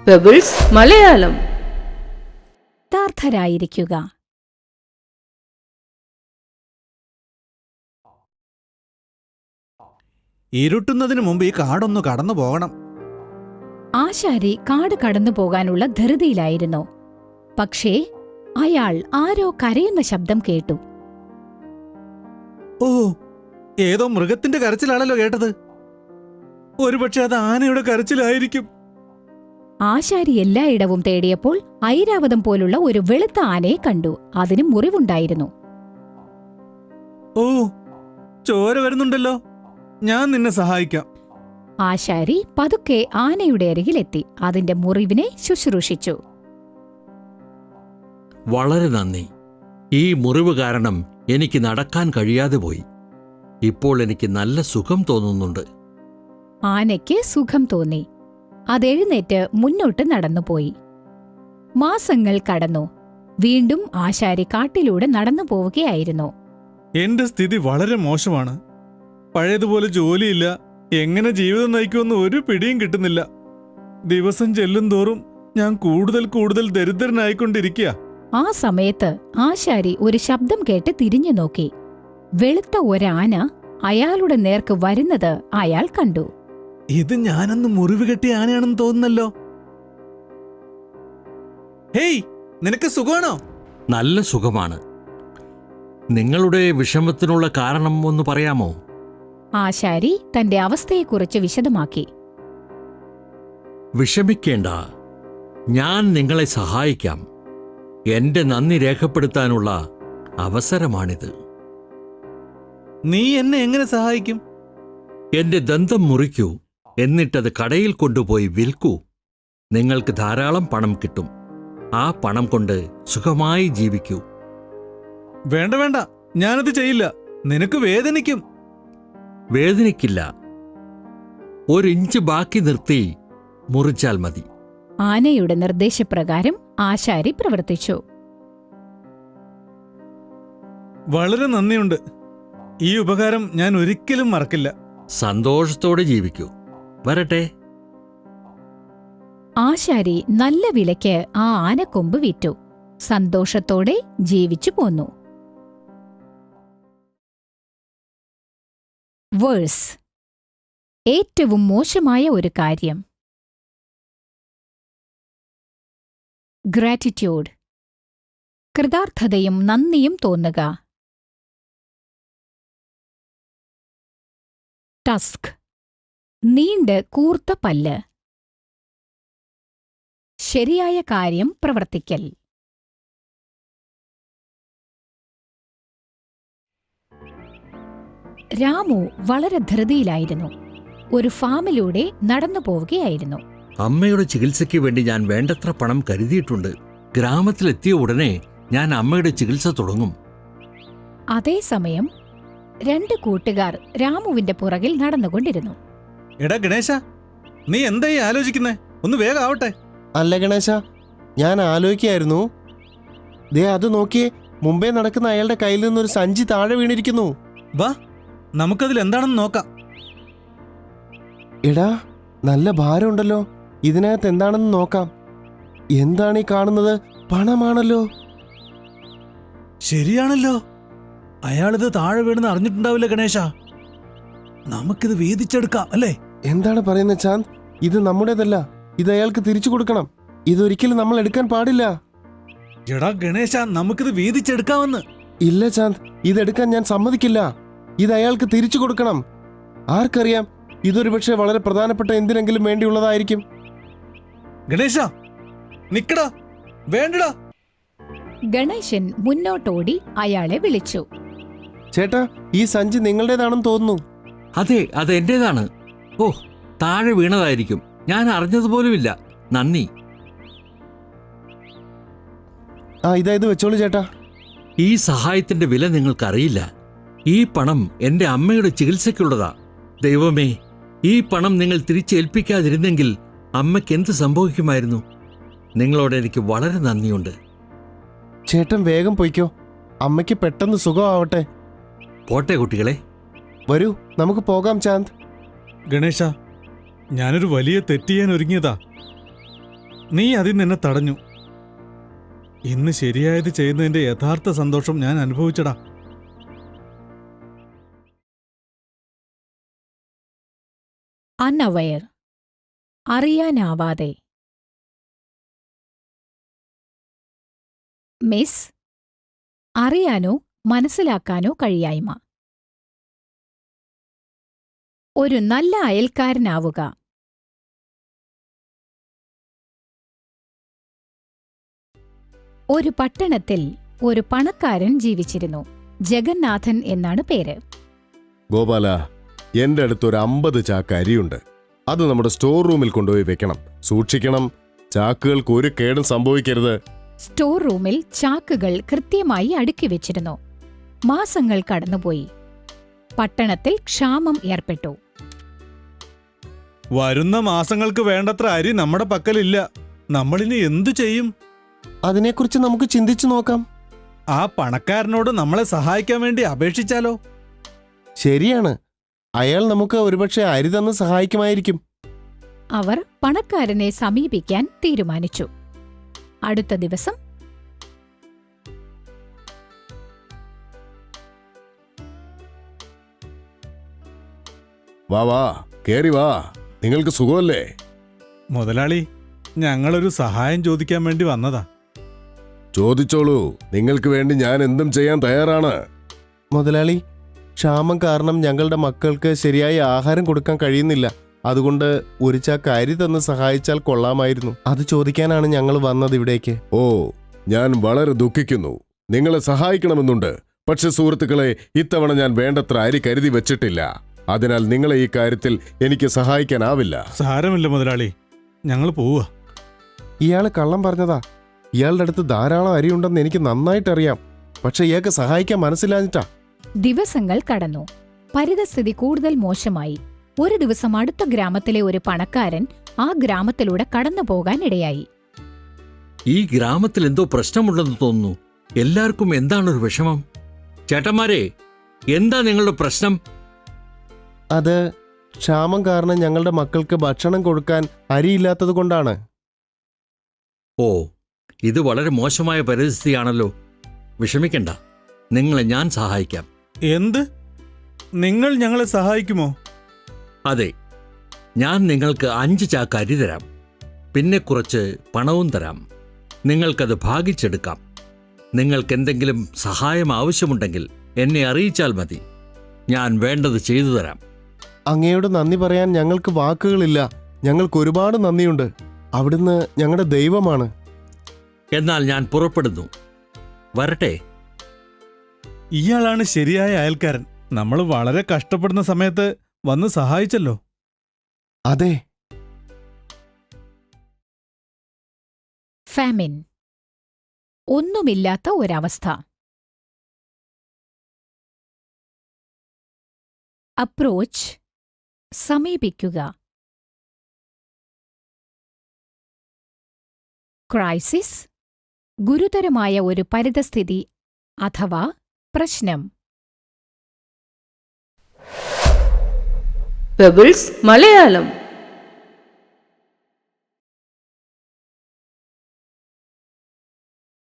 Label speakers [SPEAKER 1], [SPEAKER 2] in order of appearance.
[SPEAKER 1] Pebbles Malayalam.
[SPEAKER 2] യഥാർത്ഥരായിരിക്കുക.
[SPEAKER 3] ഇരുട്ടുന്നതിന് മുമ്പ് ഈ കാടൊന്നു കടന്നു പോകണം.
[SPEAKER 2] ആശാരി കാട് കടന്നു പോകാനുള്ള ധൃതിയിലായിരുന്നു. പക്ഷേ അയാൾ ആരോ കരയുന്ന ശബ്ദം കേട്ടു.
[SPEAKER 3] ഓ, ഏതോ മൃഗത്തിന്റെ കരച്ചിലാണല്ലോ കേട്ടത്. ഒരുപക്ഷെ അത് ആനയുടെ കരച്ചിലായിരിക്കും.
[SPEAKER 2] ആശാരി എല്ലായിടവും തേടിയപ്പോൾ ഐരാവതം പോലുള്ള ഒരു വെളുത്ത ആനയെ കണ്ടു. അതിന് മുറിവുണ്ടായിരുന്നു.
[SPEAKER 3] ഓ, ചോര വരുന്നുണ്ടല്ലോ. ഞാൻ നിന്നെ സഹായിക്കാം.
[SPEAKER 2] ആശാരി പതുക്കെ ആനയുടെ അരികിലെത്തി അതിന്റെ മുറിവിനെ ശുശ്രൂഷിച്ചു.
[SPEAKER 4] വളരെ നന്ദി. ഈ മുറിവ് കാരണം എനിക്ക് നടക്കാൻ കഴിയാതെ പോയി. ഇപ്പോൾ എനിക്ക് നല്ല സുഖം തോന്നുന്നുണ്ട്.
[SPEAKER 2] ആനയ്ക്ക് സുഖം തോന്നി. അതെഴുന്നേറ്റ് മുന്നോട്ട് നടന്നുപോയി. മാസങ്ങൾ കടന്നു. വീണ്ടും ആശാരി കാട്ടിലൂടെ നടന്നു പോവുകയായിരുന്നു.
[SPEAKER 3] എന്റെ സ്ഥിതി വളരെ മോശമാണ്. പഴയതുപോലെ ജോലിയില്ല. എങ്ങനെ ജീവിതം നയിക്കുമെന്ന് ഒരു പിടിയും കിട്ടുന്നില്ല. ദിവസം ചെല്ലും തോറും ഞാൻ കൂടുതൽ കൂടുതൽ ദരിദ്രനായിക്കൊണ്ടിരിക്കുക.
[SPEAKER 2] ആ സമയത്ത് ആശാരി ഒരു ശബ്ദം കേട്ട് തിരിഞ്ഞു നോക്കി. വെളുത്ത ഒരാന അയാളുടെ നേർക്ക് വരുന്നത് അയാൾ കണ്ടു.
[SPEAKER 3] ഇത് ഞാനന്ന് മുറിവ് കെട്ടിയ ആനയാണെന്ന് തോന്നുന്നല്ലോ. ഹേയ്, നിനക്ക് സുഖമാണോ?
[SPEAKER 4] നല്ല സുഖമാണ്. നിങ്ങളുടെ വിഷമത്തിനുള്ള കാരണം ഒന്ന് പറയാമോ?
[SPEAKER 2] ആശാരി തന്റെ അവസ്ഥയെക്കുറിച്ച് വിശദമാക്കി.
[SPEAKER 4] വിഷമിക്കേണ്ട, ഞാൻ നിങ്ങളെ സഹായിക്കാം. എന്റെ നന്ദി രേഖപ്പെടുത്താനുള്ള അവസരമാണിത്.
[SPEAKER 3] നീ എന്നെ എങ്ങനെ സഹായിക്കും?
[SPEAKER 4] എന്റെ ദന്തം മുറിക്കൂ, എന്നിട്ടത് കടയിൽ കൊണ്ടുപോയി വിൽക്കൂ. നിങ്ങൾക്ക് ധാരാളം പണം കിട്ടും. ആ പണം കൊണ്ട് സുഖമായി ജീവിക്കൂ.
[SPEAKER 3] വേണ്ട വേണ്ട, ഞാനത് ചെയ്യില്ല. നിനക്ക് വേദനിക്കും.
[SPEAKER 4] വേദനിക്കില്ല. 1 ഇഞ്ച് ബാക്കി നിർത്തി മുറിച്ചാൽ മതി.
[SPEAKER 2] ആനയുടെ നിർദ്ദേശപ്രകാരം ആശാരി പ്രവർത്തിച്ചു.
[SPEAKER 3] വളരെ നന്ദിയുണ്ട്. ഈ ഉപകാരം ഞാൻ ഒരിക്കലും മറക്കില്ല.
[SPEAKER 4] സന്തോഷത്തോടെ ജീവിക്കൂ. വരട്ടെ.
[SPEAKER 2] ആശാരി നല്ല വിലയ്ക്ക് ആ ആനക്കൊമ്പ് വിറ്റു. സന്തോഷത്തോടെ ജീവിച്ചു പോന്നു. വേഴ്സ്: ഏറ്റവും മോശമായ ഒരു കാര്യം. ഗ്രാറ്റിറ്റ്യൂഡ്: കൃതാർത്ഥതയും നന്ദിയും തോന്നുക. ടസ്ക്: നീണ്ട് കൂർത്ത പല്ല്. ശരിയായ കാര്യം പ്രവർത്തിക്കൽ. രാമു വളരെ ധൃതിയിലായിരുന്നു. ഒരു ഫാമിലൂടെ നടന്നു പോവുകയായിരുന്നു.
[SPEAKER 4] അമ്മയുടെ ചികിത്സയ്ക്ക് വേണ്ടി ഞാൻ വേണ്ടത്ര പണം കരുതിയിട്ടുണ്ട്. ഗ്രാമത്തിലെത്തിയ ഉടനെ ഞാൻ അമ്മയുടെ ചികിത്സ തുടങ്ങും.
[SPEAKER 2] അതേസമയം 2 കൂട്ടുകാർ രാമുവിന്റെ പുറകിൽ നടന്നുകൊണ്ടിരുന്നു.
[SPEAKER 3] എടാ ഗണേശ, നീ എന്തായി ആലോചിക്കുന്നേ? ഒന്ന് വേഗം ആവട്ടെ.
[SPEAKER 5] അല്ല ഗണേശ, ഞാൻ ആലോചിക്കായിരുന്നു. ദേ അത് നോക്കിയേ, മുമ്പേ നടക്കുന്ന അയാളുടെ കയ്യിൽ നിന്നൊരു സഞ്ചി താഴെ വീണിരിക്കുന്നു.
[SPEAKER 3] വാ, നമുക്കതിൽ എന്താണെന്ന് നോക്കാം.
[SPEAKER 5] എടാ, നല്ല ഭാരമുണ്ടല്ലോ. ഇതിനകത്ത് എന്താണെന്ന് നോക്കാം. എന്താണ് ഈ കാണുന്നത്? പണമാണല്ലോ.
[SPEAKER 3] ശരിയാണല്ലോ. അയാളിത് താഴെ വീണെന്ന് അറിഞ്ഞിട്ടുണ്ടാവില്ല ഗണേശ. നമുക്കിത് വീതിച്ചെടുക്കാം അല്ലേ?
[SPEAKER 5] എന്താണ് പറയുന്നത് ചാന്ദ്? ഇത് നമ്മുടേതല്ല. ഇത് അയാൾക്ക് തിരിച്ചു കൊടുക്കണം. ഇതൊരിക്കലും നമ്മൾ എടുക്കാൻ പാടില്ല.
[SPEAKER 3] എടാ ഗണേശ, നമുക്കിത് വീതിച്ചെടുക്കാമെന്ന്.
[SPEAKER 5] ഇല്ല ചാന്ദ്, ഇതെടുക്കാൻ ഞാൻ സമ്മതിക്കില്ല. ഇത് അയാൾക്ക് തിരിച്ചു കൊടുക്കണം. ആർക്കറിയാം, ഇതൊരു പക്ഷേ വളരെ പ്രധാനപ്പെട്ട എന്തിനെങ്കിലും വേണ്ടിയുള്ളതായിരിക്കും.
[SPEAKER 3] ഗണേശ, നിക്കടാ, വേണ്ടടാ.
[SPEAKER 2] ഗണേശൻ മുന്നോട്ടോടി അയാളെ വിളിച്ചു.
[SPEAKER 5] ചേട്ടാ, ഈ സഞ്ചി നിങ്ങളുടേതാണെന്ന് തോന്നുന്നു.
[SPEAKER 4] അതെ, അത് എന്റേതാണ്. ഓ, താഴെ വീണതായിരിക്കും. ഞാൻ അറിഞ്ഞതുപോലുമില്ല. നന്ദി.
[SPEAKER 5] ഇത് വെച്ചോളൂ ചേട്ടാ.
[SPEAKER 4] ഈ സഹായത്തിന്റെ വില നിങ്ങൾക്കറിയില്ല. ഈ പണം എന്റെ അമ്മയുടെ ചികിത്സയ്ക്കുള്ളതാ. ദൈവമേ, ഈ പണം നിങ്ങൾ തിരിച്ചേൽപ്പിക്കാതിരുന്നെങ്കിൽ അമ്മയ്ക്ക് എന്ത് സംഭവിക്കുമായിരുന്നു? നിങ്ങളോട് എനിക്ക് വളരെ നന്ദിയുണ്ട്.
[SPEAKER 5] ചേട്ടൻ വേഗം പൊയ്ക്കോ. അമ്മയ്ക്ക് പെട്ടെന്ന് സുഖമാവട്ടെ.
[SPEAKER 4] പോട്ടെ കുട്ടികളെ.
[SPEAKER 5] വരൂ, നമുക്ക് പോകാം ചാന്ദ്.
[SPEAKER 3] ഗണേശ, ഞാനൊരു വലിയ തെറ്റ് ചെയ്യാൻ ഒരുങ്ങിയതാ. നീ അതിൽ നിന്നെ തടഞ്ഞു. ഇന്ന് ശരിയായത് ചെയ്യുന്നതിന്റെ യഥാർത്ഥ സന്തോഷം ഞാൻ അനുഭവിച്ചടാ.
[SPEAKER 2] അൺഅവെയർ, അറിയാനാവാതെ. മിസ്, അറിയാനോ മനസ്സിലാക്കാനോ കഴിയായ്മ. ഒരു നല്ല അയൽക്കാരനാവുക. ഒരു പട്ടണത്തിൽ ഒരു പണക്കാരൻ ജീവിച്ചിരുന്നു. ജഗന്നാഥൻ എന്നാണ് പേര്.
[SPEAKER 5] ഗോപാല, എന്റെ അടുത്ത് ഒരു 50 ചാക്ക് അരിയുണ്ട്. അത് നമ്മുടെ സ്റ്റോർ റൂമിൽ കൊണ്ടുപോയി വെക്കണം. സൂക്ഷിക്കണം, ചാക്കുകൾക്ക് ഒരു കേടും സംഭവിക്കരുത്.
[SPEAKER 2] സ്റ്റോർ റൂമിൽ ചാക്കുകൾ കൃത്യമായി അടുക്കി വെച്ചിരുന്നു. മാസങ്ങൾ കടന്നുപോയി. പട്ടണത്തിൽ ക്ഷാമം ഏർപ്പെട്ടു.
[SPEAKER 3] വരുന്ന മാസങ്ങൾക്ക് വേണ്ടത്ര അരി നമ്മുടെ പക്കലില്ല. നമ്മളിനി എന്തു ചെയ്യും?
[SPEAKER 5] അതിനെക്കുറിച്ച് നമുക്ക് ചിന്തിച്ചു നോക്കാം.
[SPEAKER 3] ആ പണക്കാരനോട് നമ്മളെ സഹായിക്കാൻ വേണ്ടി അപേക്ഷിച്ചാലോ?
[SPEAKER 5] ശരിയാണ്, അയാൾ നമുക്ക് ഒരുപക്ഷെ അരി തന്ന് സഹായിക്കുമായിരിക്കും.
[SPEAKER 2] അവർ പണക്കാരനെ സമീപിക്കാൻ തീരുമാനിച്ചു. അടുത്ത ദിവസം
[SPEAKER 5] വാ വാ, കേറി വാ. നിങ്ങൾക്ക് സുഖമല്ലേ?
[SPEAKER 3] മുതലാളി, ഞങ്ങളൊരു സഹായം ചോദിക്കാൻ വേണ്ടി വന്നതാ.
[SPEAKER 5] ചോദിച്ചോളൂ, നിങ്ങൾക്ക് വേണ്ടി ഞാൻ എന്തും ചെയ്യാൻ തയ്യാറാണ്. മുതലാളി, ക്ഷാമം കാരണം ഞങ്ങളുടെ മക്കൾക്ക് ശരിയായ ആഹാരം കൊടുക്കാൻ കഴിയുന്നില്ല. അതുകൊണ്ട് ഒരു ചാക്ക് അരി തന്ന് സഹായിച്ചാൽ കൊള്ളാമായിരുന്നു. അത് ചോദിക്കാനാണ് ഞങ്ങൾ വന്നത് ഇവിടേക്ക്. ഓ, ഞാൻ വളരെ ദുഃഖിക്കുന്നു. നിങ്ങളെ സഹായിക്കണമെന്നുണ്ട്. പക്ഷെ സുഹൃത്തുക്കളെ, ഇത്തവണ ഞാൻ വേണ്ടത്ര അരി കരുതി വെച്ചിട്ടില്ല. അതിനാൽ നിങ്ങളെ ഈ കാര്യത്തിൽ എനിക്ക് സഹായിക്കാനാവില്ല.
[SPEAKER 3] സാരമില്ല മുതലാളി, ഞങ്ങൾ പോവുക.
[SPEAKER 5] ഇയാള് കള്ളം പറഞ്ഞതാ. ഇയാളുടെ അടുത്ത് ധാരാളം അരിയുണ്ടെന്ന് എനിക്ക് നന്നായിട്ടറിയാം. പക്ഷെ ഇയാൾക്ക് സഹായിക്കാൻ മനസ്സിലാഞ്ഞിട്ടാ.
[SPEAKER 2] ദിവസങ്ങൾ കടന്നു. പരിതസ്ഥിതി കൂടുതൽ മോശമായി. ഒരു ദിവസം അടുത്ത ഗ്രാമത്തിലെ ഒരു പണക്കാരൻ ആ ഗ്രാമത്തിലൂടെ കടന്നു പോകാൻ ഇടയായി.
[SPEAKER 4] ഈ ഗ്രാമത്തിൽ എന്തോ പ്രശ്നമുണ്ടെന്ന് തോന്നുന്നു. എല്ലാവർക്കും എന്താണൊരു വിഷമം? ചേട്ടന്മാരെ, എന്താ നിങ്ങളുടെ പ്രശ്നം?
[SPEAKER 5] അത് ക്ഷാമം കാരണം ഞങ്ങളുടെ മക്കൾക്ക് ഭക്ഷണം കൊടുക്കാൻ അരിയില്ലാത്തത് കൊണ്ടാണ്.
[SPEAKER 4] ഓ, ഇത് വളരെ മോശമായ പരിസ്ഥിതിയാണല്ലോ. വിഷമിക്കണ്ട, നിങ്ങളെ ഞാൻ സഹായിക്കാം.
[SPEAKER 3] എന്ത്? നിങ്ങൾ ഞങ്ങളെ സഹായിക്കുമോ?
[SPEAKER 4] അതെ, ഞാൻ നിങ്ങൾക്ക് 5 ചാക്ക് അരി തരാം. പിന്നെ കുറച്ച് പണവും തരാം. നിങ്ങൾക്കത് ഭാഗിച്ചെടുക്കാം. നിങ്ങൾക്കെന്തെങ്കിലും സഹായം ആവശ്യമുണ്ടെങ്കിൽ എന്നെ അറിയിച്ചാൽ മതി. ഞാൻ വേണ്ടത് ചെയ്തു തരാം.
[SPEAKER 5] അങ്ങയോട് നന്ദി പറയാൻ ഞങ്ങൾക്ക് വാക്കുകളില്ല. ഞങ്ങൾക്ക് ഒരുപാട് നന്ദിയുണ്ട്. അവിടുന്ന് ഞങ്ങളുടെ ദൈവമാണ്.
[SPEAKER 4] എന്നാൽ ഞാൻ പുറപ്പെടുന്നു. വരട്ടെ.
[SPEAKER 3] ഇയാളാണ് ശരിയായ അയൽക്കാരൻ. നമ്മൾ വളരെ കഷ്ടപ്പെടുന്ന സമയത്ത് വന്ന് സഹായിച്ചല്ലോ.
[SPEAKER 5] അതെ.
[SPEAKER 2] ഫാമിൻ, ഒന്നുമില്ലാത്ത ഒരവസ്ഥ. അപ്രോച്ച്, സമീപിക്കുക. ക്രൈസിസ്, ഗുരുതരമായ ഒരു പരിതസ്ഥിതി അഥവാ പ്രശ്നം.
[SPEAKER 1] പെബിൾസ് മലയാളം.